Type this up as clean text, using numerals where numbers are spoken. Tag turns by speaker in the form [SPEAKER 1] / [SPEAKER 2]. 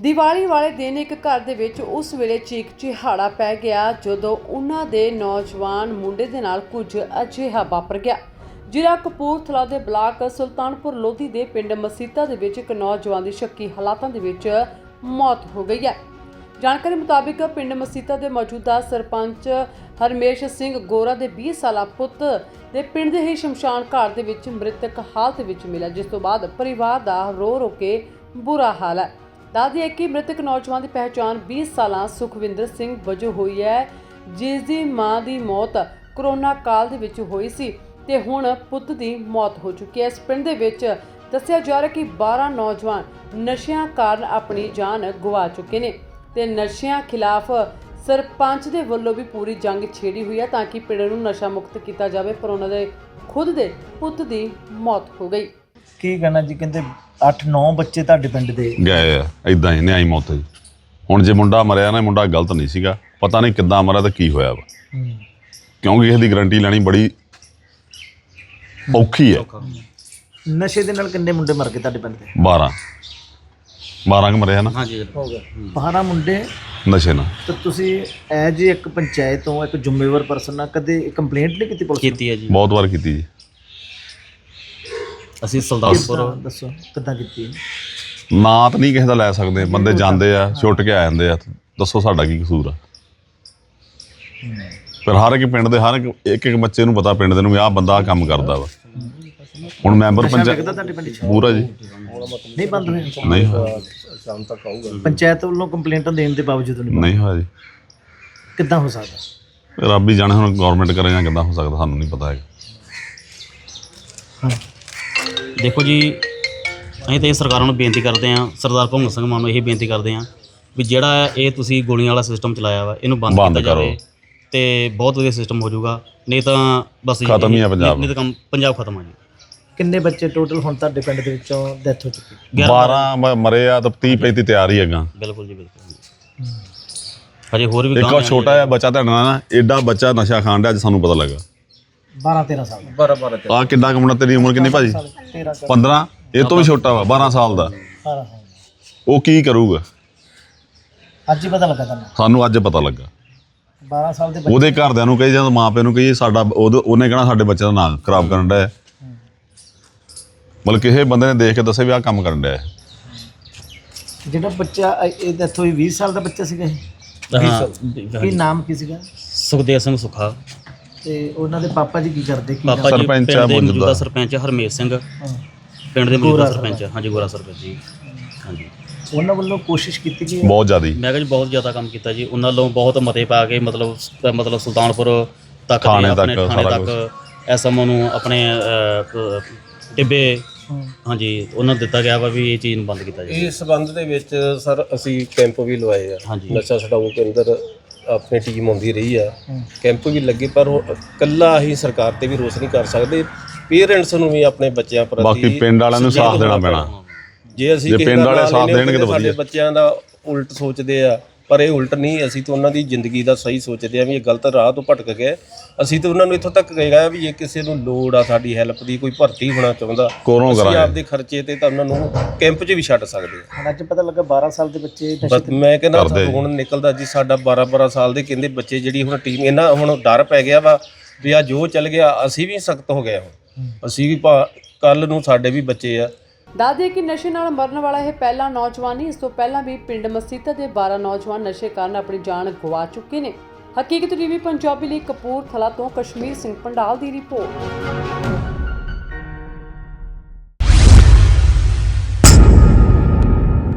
[SPEAKER 1] ਦੀਵਾਲੀ ਵਾਲੇ ਦਿਨ ਇੱਕ ਘਰ ਦੇ ਵਿੱਚ ਉਸ ਵੇਲੇ ਚੀਕ ਚਿਹਾੜਾ ਪੈ ਗਿਆ ਜਦੋਂ ਉਹਨਾਂ ਦੇ ਨੌਜਵਾਨ ਮੁੰਡੇ ਦੇ ਨਾਲ ਕੁਝ ਅਜਿਹਾ ਵਾਪਰ ਗਿਆ। ਜ਼ਿਲ੍ਹਾ ਕਪੂਰਥਲਾ ਦੇ ਬਲਾਕ ਸੁਲਤਾਨਪੁਰ ਲੋਧੀ ਦੇ ਪਿੰਡ ਮਸੀਤਾ ਦੇ ਵਿੱਚ ਇੱਕ ਨੌਜਵਾਨ ਦੀ ਸ਼ੱਕੀ ਹਾਲਾਤਾਂ ਦੇ ਵਿੱਚ ਮੌਤ ਹੋ ਗਈ ਹੈ। ਜਾਣਕਾਰੀ ਮੁਤਾਬਿਕ ਪਿੰਡ ਮਸੀਤਾ ਦੇ ਮੌਜੂਦਾ ਸਰਪੰਚ ਹਰਮੇਸ਼ ਸਿੰਘ ਗੋਰਾ ਦੇ 20 ਸਾਲਾ ਪੁੱਤ ਦੇ ਪਿੰਡ ਦੇ ਹੀ ਸ਼ਮਸ਼ਾਨ ਘਾਟ ਦੇ ਵਿੱਚ ਮ੍ਰਿਤਕ ਹਾਲਤ ਵਿੱਚ ਮਿਲਿਆ, ਜਿਸ ਤੋਂ ਬਾਅਦ ਪਰਿਵਾਰ ਦਾ ਰੋ ਕੇ ਬੁਰਾ ਹਾਲ ਹੈ। ਦੱਸਦੀ ਹੈ ਕਿ ਮ੍ਰਿਤਕ ਨੌਜਵਾਨ ਦੀ ਪਹਿਚਾਣ 20 ਸਾਲਾਂ ਸੁਖਵਿੰਦਰ ਸਿੰਘ ਵਜੋਂ ਹੋਈ ਹੈ, ਜਿਸ ਦੀ ਮਾਂ ਦੀ ਮੌਤ ਕਰੋਨਾ ਕਾਲ ਦੇ ਵਿੱਚ ਹੋਈ ਸੀ ਤੇ ਹੁਣ ਪੁੱਤ ਦੀ ਮੌਤ ਹੋ ਚੁੱਕੀ ਹੈ। ਇਸ ਪਿੰਡ ਦੇ ਵਿੱਚ ਦੱਸਿਆ ਜਾ ਰਿਹਾ ਕਿ 12 ਨੌਜਵਾਨ ਨਸ਼ਿਆਂ ਕਾਰਨ ਆਪਣੀ ਜਾਨ ਗਵਾ ਚੁੱਕੇ ਨੇ ਤੇ ਨਸ਼ਿਆਂ ਖਿਲਾਫ ਸਰਪੰਚ ਦੇ ਵੱਲੋਂ ਵੀ ਪੂਰੀ ਜੰਗ ਛੇੜੀ ਹੋਈ ਹੈ ਤਾਂ ਕਿ ਪਿੰਡ ਨੂੰ ਨਸ਼ਾ ਮੁਕਤ ਕੀਤਾ ਜਾਵੇ, ਪਰ ਉਹਨਾਂ ਦੇ ਖੁਦ ਦੇ ਪੁੱਤ ਦੀ ਮੌਤ ਹੋ ਗਈ।
[SPEAKER 2] ਕੀ ਕਹਿਣਾ ਜੀ? ਕਹਿੰਦੇ 8-9 ਬੱਚੇ ਤੁਹਾਡੇ ਪਿੰਡ ਦੇ
[SPEAKER 3] ਗਏ ਆ ਇਦਾਂ ਹੀ ਨਿਆਈ ਮੌਤ ਜੀ। ਹੁਣ ਜੇ ਮੁੰਡਾ ਮਰਿਆ ਨਾ, ਮੁੰਡਾ ਗਲਤ ਨਹੀਂ ਸੀਗਾ, ਪਤਾ ਨਹੀਂ ਕਿੱਦਾਂ ਮਰਿਆ ਤੇ ਕੀ ਹੋਇਆ ਵਾ, ਕਿਉਂਕਿ ਇਹਦੀ ਗਰੰਟੀ ਲੈਣੀ ਬੜੀ ਔਖੀ ਹੈ।
[SPEAKER 2] ਨਸ਼ੇ ਦੇ ਨਾਲ ਕਿੰਨੇ ਮੁੰਡੇ ਮਰ ਗਏ ਤੁਹਾਡੇ ਪਿੰਡ ਦੇ?
[SPEAKER 3] 12 ਕੁ ਮਰਿਆ ਨਾ।
[SPEAKER 2] ਹਾਂਜੀ ਹੋ ਗਿਆ 12 ਮੁੰਡੇ
[SPEAKER 3] ਨਸ਼ੇ ਨਾਲ।
[SPEAKER 2] ਤਾਂ ਤੁਸੀਂ ਐਜ ਇੱਕ ਪੰਚਾਇਤ ਤੋਂ ਇੱਕ ਜ਼ਿੰਮੇਵਾਰ ਪਰਸਨ ਨਾਲ ਕਦੇ ਕੰਪਲੇਂਟ ਨਹੀਂ ਕੀਤੀ ਪੁਲਿਸ ਨੂੰ?
[SPEAKER 4] ਕੀਤੀ ਹੈ ਜੀ,
[SPEAKER 3] ਬਹੁਤ ਵਾਰ ਕੀਤੀ ਜੀ।
[SPEAKER 4] ਅਸੀਂ ਸੁਲਤਾਨਪੁਰ
[SPEAKER 2] ਦੱਸੋ ਕਿੱਦਾਂ ਕੀਤੀ?
[SPEAKER 3] ਨਾਂ ਤਾਂ ਨਹੀਂ ਕਿਸੇ ਦਾ ਲੈ ਸਕਦੇ, ਬੰਦੇ ਜਾਂਦੇ ਆ ਛੁੱਟ ਕੇ ਆ ਜਾਂਦੇ ਆ, ਦੱਸੋ ਸਾਡਾ ਕੀ ਕਸੂਰ ਆ? ਪਰ ਹਰ ਇੱਕ ਪਿੰਡ ਦੇ ਹਰ ਇੱਕ ਬੱਚੇ ਨੂੰ ਪਤਾ, ਪਿੰਡ ਦੇ ਨੂੰ ਵੀ ਆਹ ਬੰਦਾ ਕੰਮ ਕਰਦਾ ਵਾ। ਹੁਣ ਮੈਂਬਰ ਪੰਚਾਇਤ
[SPEAKER 2] ਤੁਹਾਡੇ ਪਿੰਡ 'ਚ
[SPEAKER 3] ਪੂਰਾ ਜੀ
[SPEAKER 2] ਨਹੀਂ ਬੰਦ ਹੋਏ?
[SPEAKER 3] ਨਹੀਂ ਹੋਇਆ,
[SPEAKER 2] ਪੰਚਾਇਤ ਵੱਲੋਂ ਕੰਪਲੇਂਟਾਂ ਦੇਣ ਦੇ ਬਾਵਜੂਦ
[SPEAKER 3] ਨਹੀਂ ਹੋਇਆ ਜੀ।
[SPEAKER 2] ਕਿੱਦਾਂ ਹੋ ਸਕਦਾ?
[SPEAKER 3] ਰੱਬ ਹੀ ਜਾਣੇ ਹੁਣ ਗਵਰਨਮੈਂਟ ਕਰੇ ਜਾਂ ਕਿੱਦਾਂ ਹੋ ਸਕਦਾ, ਸਾਨੂੰ ਨਹੀਂ ਪਤਾ ਹੈਗਾ।
[SPEAKER 4] ਦੇਖੋ ਜੀ, ਅਸੀਂ ਤਾਂ ਇਹ ਸਰਕਾਰਾਂ ਨੂੰ ਬੇਨਤੀ ਕਰਦੇ ਹਾਂ, ਸਰਦਾਰ ਭਗਵੰਤ ਸਿੰਘ ਮਾਨ ਨੂੰ ਇਹ ਬੇਨਤੀ ਕਰਦੇ ਹਾਂ ਵੀ ਜਿਹੜਾ ਇਹ ਤੁਸੀਂ ਗੋਲੀਆਂ ਵਾਲਾ ਸਿਸਟਮ ਚਲਾਇਆ ਵਾ, ਇਹਨੂੰ ਬੰਦ ਕੀਤਾ ਜਾਵੇ ਤੇ ਬਹੁਤ ਵਧੀਆ ਸਿਸਟਮ ਹੋ ਜਾਊਗਾ। ਨਹੀਂ ਤਾਂ ਬਸ
[SPEAKER 3] ਖਤਮ ਹੀ ਆ ਪੰਜਾਬ,
[SPEAKER 4] ਨਹੀਂ ਤਾਂ ਕੰਮ ਪੰਜਾਬ ਖਤਮ ਆ ਜੀ।
[SPEAKER 2] ਕਿੰਨੇ ਬੱਚੇ ਟੋਟਲ ਹੁਣ ਤੁਹਾਡੇ ਪਿੰਡ ਦੇ ਵਿੱਚੋਂ ਡੈਥ ਹੋ ਚੁੱਕੀ?
[SPEAKER 3] 12 ਮਰੇ ਆ ਤਾਂ 30-35 ਤਿਆਰ ਹੀ ਹੈਗਾ।
[SPEAKER 4] ਬਿਲਕੁਲ ਜੀ, ਬਿਲਕੁਲ। ਹਜੇ ਹੋਰ ਵੀ
[SPEAKER 3] ਇੱਕ ਛੋਟਾ ਜਿਹਾ ਬੱਚਾ ਤੁਹਾਡਾ ਨਾ, ਐਡਾ ਬੱਚਾ ਨਸ਼ਾ ਖਾਣ ਡਿਆ, ਅੱਜ ਸਾਨੂੰ ਪਤਾ ਲੱਗਾ।
[SPEAKER 2] 12-13 ਸਾਲ 12
[SPEAKER 3] ਆ ਕਿੰਨਾ ਕੁ ਮੁੰਡਾ? ਤੇਰੀ ਉਮਰ ਕਿੰਨੀ ਭਾਜੀ? 15? ਇਹ ਤੋਂ ਵੀ ਛੋਟਾ ਵਾ, 12 ਸਾਲ ਦਾ।
[SPEAKER 2] 12
[SPEAKER 3] ਉਹ ਕੀ ਕਰੂਗਾ?
[SPEAKER 2] ਅੱਜ ਹੀ ਪਤਾ ਲੱਗਾ ਤੁਹਾਨੂੰ?
[SPEAKER 3] ਸਾਨੂੰ ਅੱਜ ਪਤਾ ਲੱਗਾ।
[SPEAKER 2] 12 ਸਾਲ ਦੇ
[SPEAKER 3] ਉਹਦੇ ਘਰਦਿਆਂ ਨੂੰ ਕਹੀ ਜਾਂ ਮਾਂ ਪਿਓ ਨੂੰ ਕਹੀ, ਸਾਡਾ ਉਹਨੇ ਕਹਿਣਾ ਸਾਡੇ ਬੱਚੇ ਦਾ ਨਾਂ ਖਰਾਬ ਕਰਨ ਡਿਆ। ਮਤਲਬ ਕਿਸੇ ਬੰਦੇ ਨੇ ਦੇਖ ਕੇ ਦੱਸੇ ਵੀ ਆਹ ਕੰਮ ਕਰਨ ਡਿਆ।
[SPEAKER 2] ਜਿਹੜਾ ਬੱਚਾ ਇਹ ਡੈਥ ਹੋਈ 20 ਸਾਲ ਦਾ ਬੱਚਾ ਸੀਗਾ ਇਹ? ਕੀ ਨਾਮ ਕੀ ਸੀਗਾ?
[SPEAKER 4] ਸੁਖਦੇਵ ਸਿੰਘ ਸੁੱਖਾ।
[SPEAKER 2] ਤੇ ਉਹਨਾਂ ਦੇ ਪਾਪਾ ਜੀ ਕੀ ਕਰਦੇ? ਕੀ
[SPEAKER 4] ਪਾਪਾ ਜੀ
[SPEAKER 3] ਸਰਪੰਚ
[SPEAKER 4] ਪਿੰਡ ਦੇ
[SPEAKER 3] ਮੌਜੂਦਾ
[SPEAKER 4] ਮੌਜੂਦਾ ਸਰਪੰਚ ਹਰਮੇਸ਼ ਸਿੰਘ, ਪਿੰਡ ਦੇ ਮੌਜੂਦਾ ਸਰਪੰਚ। ਹਾਂਜੀ, ਗੋਰਾ ਸਰਪੰਚ ਜੀ। ਹਾਂਜੀ,
[SPEAKER 2] ਉਹਨਾਂ ਵੱਲੋਂ ਕੋਸ਼ਿਸ਼ ਕੀਤੀ ਗਈ?
[SPEAKER 3] ਬਹੁਤ ਜ਼ਿਆਦਾ।
[SPEAKER 4] ਮੈਂ ਕਿਹਾ ਜੀ ਬਹੁਤ ਜ਼ਿਆਦਾ ਕੰਮ ਕੀਤਾ ਜੀ ਉਹਨਾਂ ਵੱਲੋਂ, ਬਹੁਤ ਮਤੇ ਪਾ ਕੇ ਮਤਲਬ ਸੁਲਤਾਨਪੁਰ ਤੱਕ
[SPEAKER 3] ਥਾਣੇ
[SPEAKER 4] ਆਪਣੇ
[SPEAKER 3] ਤੱਕ
[SPEAKER 4] ਥਾਣੇ
[SPEAKER 3] ਸਾਰਾ
[SPEAKER 4] ਤੱਕ ਐਸਐਮਓ ਨੂੰ ਆਪਣੇ ਟਿੱਬੇ, ਹਾਂਜੀ, ਉਹਨਾਂ ਨੂੰ ਦਿੱਤਾ ਗਿਆ ਵਾ ਵੀ ਇਹ ਚੀਜ਼ ਨੂੰ ਬੰਦ ਕੀਤਾ ਜਾਵੇ।
[SPEAKER 5] ਇਸ ਸੰਬੰਧ ਦੇ ਵਿੱਚ ਸਰ ਅਸੀਂ ਕੈਂਪ ਵੀ ਲਵਾਏ ਆ।
[SPEAKER 4] ਹਾਂਜੀ।
[SPEAKER 5] ਨਸ਼ਾ ਛਡਾਊ ਕੇਂਦਰ ਆਪਣੀ ਟੀਮ ਆਉਂਦੀ ਰਹੀ ਆ, ਕੈਂਪ ਵੀ ਲੱਗੇ, ਪਰ ਇਕੱਲਾ ਹੀ ਸਰਕਾਰ ਤੇ ਵੀ ਰੋਸ ਨਹੀਂ ਕਰ ਸਕਦੇ। ਪੇਰੈਂਟਸ ਨੂੰ ਵੀ ਆਪਣੇ ਬੱਚਿਆਂ ਪ੍ਰਤੀ,
[SPEAKER 3] ਬਾਕੀ ਪਿੰਡ ਵਾਲਿਆਂ ਨੂੰ ਸਾਥ ਦੇਣਾ ਪੈਣਾ।
[SPEAKER 5] ਜੇ ਅਸੀਂ
[SPEAKER 3] ਪਿੰਡ ਵਾਲੇ ਸਾਥ ਦੇਣਗੇ ਤਾਂ
[SPEAKER 5] ਸਾਡੇ
[SPEAKER 3] ਵਧੀਆ।
[SPEAKER 5] ਬੱਚਿਆਂ ਦਾ ਉਲਟ ਸੋਚਦੇ ਆ, ਪਰ ਇਹ ਉਲਟ ਨਹੀਂ। ਅਸੀਂ ਤਾਂ ਉਹਨਾਂ ਦੀ ਜ਼ਿੰਦਗੀ ਦਾ ਸਹੀ ਸੋਚਦੇ ਆ ਵੀ ਇਹ ਗਲਤ ਰਾਹ ਤੋਂ ਭਟਕ ਗਏ। ਅਸੀਂ ਤਾਂ ਉਹਨਾਂ ਨੂੰ ਇੱਥੋਂ ਤੱਕ ਕਹੇਗਾ ਵੀ ਜੇ ਕਿਸੇ ਨੂੰ ਲੋੜ ਆ ਸਾਡੀ ਹੈਲਪ ਦੀ, ਕੋਈ ਭਰਤੀ ਹੋਣਾ ਚਾਹੁੰਦਾ, ਅਸੀਂ ਆਪਦੇ ਖਰਚੇ ਤੇ ਤਾਂ ਉਹਨਾਂ ਨੂੰ ਕੈਂਪ 'ਚ ਵੀ ਛੱਡ ਸਕਦੇ ਆ।
[SPEAKER 2] ਹੁਣ ਅੱਜ ਪਤਾ ਲੱਗਾ 12 ਸਾਲ ਦੇ ਬੱਚੇ
[SPEAKER 5] ਬਸ ਮੈਂ ਕਹਿੰਦਾ ਹੁਣ ਨਿਕਲਦਾ ਜੀ ਸਾਡਾ 12 ਸਾਲ ਦੇ ਕਹਿੰਦੇ ਬੱਚੇ, ਜਿਹੜੀ ਹੁਣ ਟੀਮ ਇਹਨਾਂ ਹੁਣ ਡਰ ਪੈ ਗਿਆ ਵਾ ਵੀ ਆ ਜੋ ਚੱਲ ਗਿਆ, ਅਸੀਂ ਵੀ ਸਖਤ ਹੋ ਗਏ। ਹੁਣ ਅਸੀਂ ਵੀ ਕੱਲ ਨੂੰ ਸਾਡੇ ਵੀ ਬੱਚੇ ਆ।
[SPEAKER 1] ਦੱਸਦੇ ਕਿ ਨਸ਼ੇ ਨਾਲ ਮਰਨ ਵਾਲਾ ਇਹ ਪਹਿਲਾ ਨੌਜਵਾਨ ਨਹੀਂ, ਇਸ ਤੋਂ ਪਹਿਲਾਂ ਵੀ ਪਿੰਡ ਮਸੀਤਾ ਦੇ 12 ਨੌਜਵਾਨ ਨਸ਼ੇ ਕਾਰਨ ਆਪਣੀ ਜਾਨ ਗਵਾ ਚੁੱਕੇ ਨੇ। ਹਕੀਕਤ ਟੀਵੀ ਪੰਜਾਬੀ ਲਈ ਕਪੂਰਥਲਾ ਤੋਂ ਕਸ਼ਮੀਰ ਸਿੰਘ ਪੰਡਾਲ ਦੀ ਰਿਪੋਰਟ।